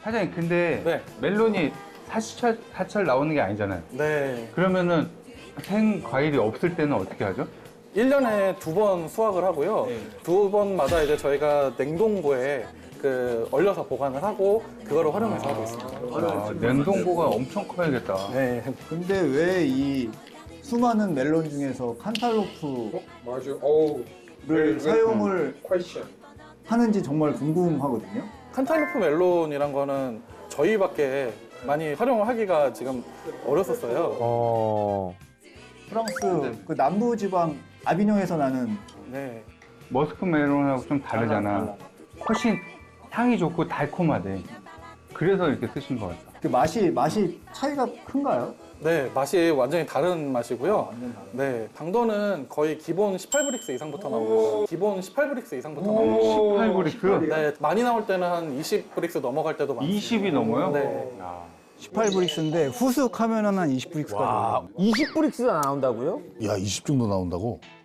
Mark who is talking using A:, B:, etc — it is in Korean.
A: 사장님, 근데
B: 네.
A: 멜론이 사철 나오는 게 아니잖아요.
B: 네.
A: 그러면은 생 과일이 없을 때는 어떻게 하죠?
B: 1년에 2번 수확을 하고요.
A: 네.
B: 2번마다 이제 저희가 냉동고에 얼려서 보관을 하고 그거를 활용해서 하고 있습니다.
A: 아, 냉동고가 엄청 커야겠다.
B: 네.
C: 근데 왜 이 수많은 멜론 중에서 칸탈로프를
D: 맞아. 어우.
C: 사용을
D: 퀘션.
C: 하는지 정말 궁금하거든요.
B: 칸탈루프 멜론이란 거는 저희밖에 많이 활용을 하기가 지금 어렸었어요.
C: 프랑스 그 남부 지방 아비뇽에서 나는
B: 네.
A: 머스크 멜론하고 좀 다르잖아. 훨씬 향이 좋고 달콤하대. 그래서 이렇게 쓰신 것 같아.
C: 그 맛이 차이가 큰가요?
B: 네, 맛이 완전히 다른 맛이고요. 네, 당도는 거의 기본 18브릭스 이상부터 나오고요. 기본 18브릭스 이상부터 나오고.
A: 18브릭스?
B: 네, 많이 나올 때는 한 20브릭스 넘어갈 때도 많습니다.
A: 20이 넘어요?
B: 네.
A: 야.
C: 18브릭스인데 후숙하면은 한 20브릭스까지.
E: 와, 20브릭스가 나온다고요?
F: 야, 20 정도 나온다고?